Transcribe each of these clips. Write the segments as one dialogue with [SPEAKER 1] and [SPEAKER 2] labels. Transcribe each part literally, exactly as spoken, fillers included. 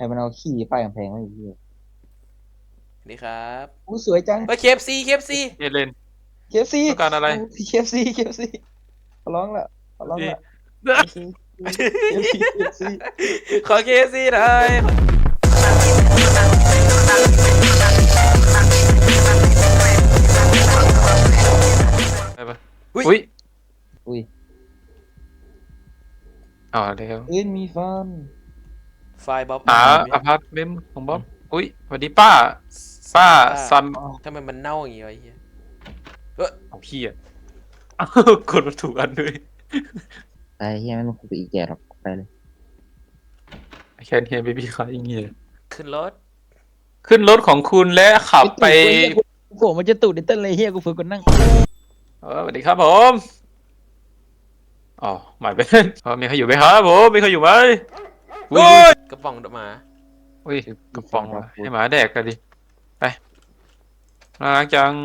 [SPEAKER 1] มันเอาขี้ป้ายกำแพงไว้อีกที
[SPEAKER 2] นี่ครับ
[SPEAKER 1] อู้สวยจัง
[SPEAKER 2] เฮ้ยเคฟซีเคฟซี
[SPEAKER 3] เยเลน
[SPEAKER 1] เคฟซี
[SPEAKER 3] ต้องการอะไร
[SPEAKER 1] เคฟซีเคฟซีขอร้องละขอร้อง
[SPEAKER 3] ดี
[SPEAKER 1] ละเคฟซีเคฟซีเคฟซี
[SPEAKER 2] ขอเคฟซีหน่อย
[SPEAKER 3] ไปปะ
[SPEAKER 2] อุ้ย
[SPEAKER 3] อุ้ย
[SPEAKER 1] อุ้ย
[SPEAKER 3] อ๋อเร็ว
[SPEAKER 1] เอ้ยมีฟัน
[SPEAKER 2] ไฟล์บ๊อบ
[SPEAKER 3] หาอพาร์ตเมนต์ของบ๊อบอุ้ยสวัสดีป้าป้าซัน
[SPEAKER 2] ทำไมมันเน่าอย่างงี้วะไอ้เหี้ย
[SPEAKER 3] เอาพี่อ่ะอ้าวกดมาถูกอันด้วย
[SPEAKER 1] ไอ้เฮียไม่ต้องคุยกับอีแก่หรอกไปเลย
[SPEAKER 3] I can't hear baby crying here
[SPEAKER 2] ขึ้นรถ
[SPEAKER 3] ขึ้นรถของคุณและขับไป
[SPEAKER 1] โผล่มันจะตูดดิเต้นเลยเฮียกูฝึกคนนั่ง
[SPEAKER 3] เออสวัสดีครับผมอ๋อหมายเป็นเออมีใครอยู่ไหมครับผมมีใครอยู่ไหมอุ้ย
[SPEAKER 2] กระป๋องหมา
[SPEAKER 3] อุ้ยกระป๋องวะให้หมาแดกกันดิไปน่ารักจัง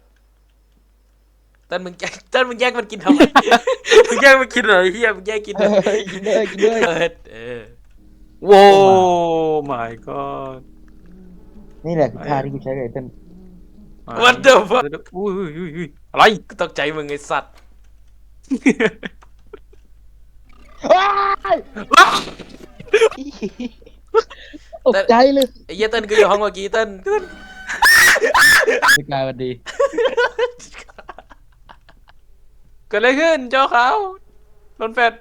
[SPEAKER 2] เต้นมึงแย่งเต้นมึงแย่งมันกินทำไม มึงแย่งมันกินเหรอไอ้เฮียมึงแย่งกินเหรอ
[SPEAKER 1] เฮ้ยกินด้วยกินด้วย
[SPEAKER 2] เออเออ
[SPEAKER 3] โว้ my god
[SPEAKER 1] นี่แหละคือท่าที่กูใช้กับไอ้เต้น
[SPEAKER 2] What the fuck
[SPEAKER 3] อุ้ยอุ้ยอุ้ยอุ้ยอะไร
[SPEAKER 2] กูตกใจมึงไอ้สัตว์
[SPEAKER 1] ตกใจเลย
[SPEAKER 2] ไอ้เหี้ยเต้นกูอยู่ห้องเมื่อกี้เต้นเต้น
[SPEAKER 1] ไม่กลายวันดี
[SPEAKER 3] เกิดอะไรขึ้นเจ้าขาวโดนแฟด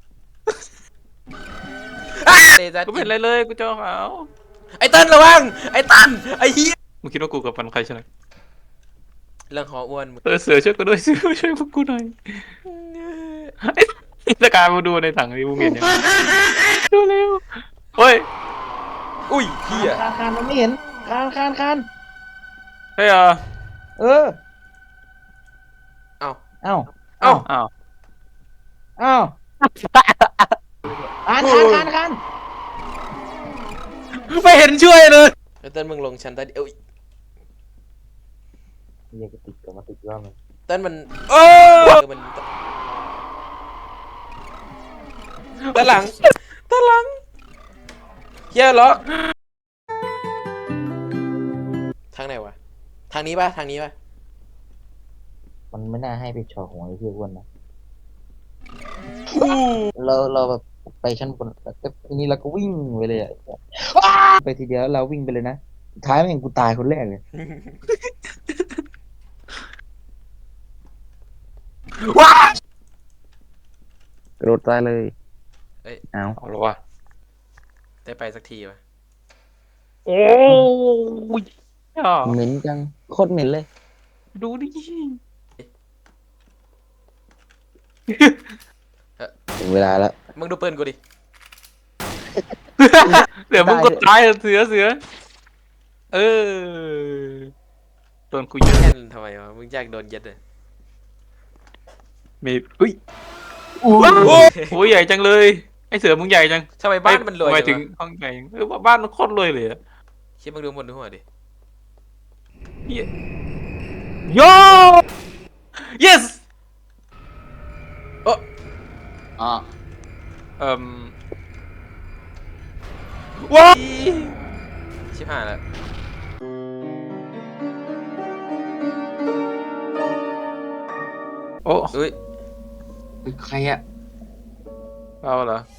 [SPEAKER 2] เดซั
[SPEAKER 3] กูไม่เห็นอะไรเลยกูเจ้าขาว
[SPEAKER 2] ไอ้เต้นระวังไอ้ตันไอ้เหี้ย
[SPEAKER 3] มึงคิดว่ากูกับมันใครใช่ไหม
[SPEAKER 2] เรื่องหออ้วนมึง
[SPEAKER 3] เออเสือช่วยกูด้วยเสือช่วยพวกกูหน่อยไอ้สกายมาดูในถังนี้มึงเห็นยังดูเร็วเฮ้ย
[SPEAKER 2] อุ้ยเหี้ย
[SPEAKER 1] คานคานมันไม่เห็นคานคานคาน
[SPEAKER 3] เฮ้ยอ่ะ
[SPEAKER 1] เออ
[SPEAKER 2] เอ้า
[SPEAKER 1] เอ้า
[SPEAKER 2] เอ้า
[SPEAKER 3] อ้าว
[SPEAKER 1] เอ้าคานคานคานคาน
[SPEAKER 3] ไม่เห็นช่วยเลย
[SPEAKER 2] ไอ้เต้นมึงลงชั้นใต้ดินเอ้ย
[SPEAKER 1] เฮียก็ติดกับมาติดว่ามัน
[SPEAKER 2] เต้นมันโอ้มันด้านหลังด้านหลังเฮียเหรอทางไหนวะทางนี้ป่ะทางนี้ป่ะ
[SPEAKER 1] มันไม่น่าให้ไปชอของไอ้เฮียอ้วนนะเราเราแบบไปชั้นบนแล้วก็ทีนี้เราก็วิ่งไปเลยอะไปทีเดียวแล้วเราวิ่งไปเลยนะสุดท้ายแม่งกูตายคนแรกเลย
[SPEAKER 2] ว้าก
[SPEAKER 1] ระโดดตายเลย
[SPEAKER 2] เอ้ย
[SPEAKER 1] เอา
[SPEAKER 3] เอาละวะ
[SPEAKER 2] ได้ไปสักทีวะ
[SPEAKER 3] โอ้ยอ่ะ
[SPEAKER 1] เหม็นจังโคตรเหม็นเลย
[SPEAKER 3] ดูดิ
[SPEAKER 1] ถึงเวลาแล้ว
[SPEAKER 2] มึงดูปืนกูดิ
[SPEAKER 3] เดี๋ยวมึงก็ตายเสือเสือเออโดนกูเยอะ
[SPEAKER 2] แค่นทำไมวะมึงอยากโดนยัดเลย
[SPEAKER 3] มีอุ้ยโอ้ยใหญ่จังเลย ไอเสือมึงใหญ่จัง
[SPEAKER 2] ทำไมบ้านมันรวย
[SPEAKER 3] ทำไม
[SPEAKER 2] จั
[SPEAKER 3] ถึ
[SPEAKER 2] ง
[SPEAKER 3] ง
[SPEAKER 2] วะ
[SPEAKER 3] ห้องใหญ่เออบ้านมันโคตรรวยเลยอะ
[SPEAKER 2] คิดมึงดูบนดูหัวดิ
[SPEAKER 3] เหี้ยโย yes
[SPEAKER 2] โอ้
[SPEAKER 1] อ๋อ
[SPEAKER 3] เอ่ม
[SPEAKER 2] ว้าชิบหายแล้ว
[SPEAKER 3] โอ้
[SPEAKER 2] อุ้ย
[SPEAKER 1] ใครอะ
[SPEAKER 3] เอาเหรอ